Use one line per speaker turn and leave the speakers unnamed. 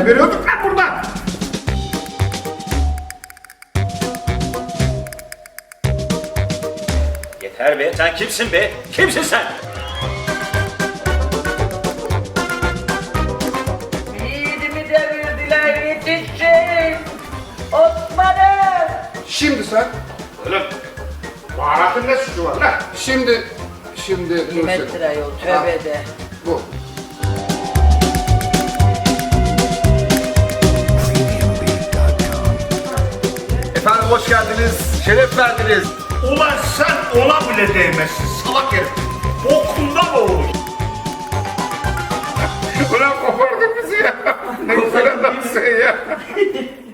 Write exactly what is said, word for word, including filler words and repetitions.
geberiyorduk lan burada.
Yeter be, sen kimsin be? Kimsin sen?
Yiğidimi devirdiler, yetişin! Osman'ım!
Şimdi sen,
Oğlum, baharatın ne suçu var lan?
şimdi, şimdi...
Metre yol, tövbe de.
Bu.
Efendim hoş geldiniz, şeref verdiniz.
Ulan sen ona bile değmezsin salak herif. Bokunda mı olur?
Ulan kopardın bizi ya. Ne güzel adamsın ya.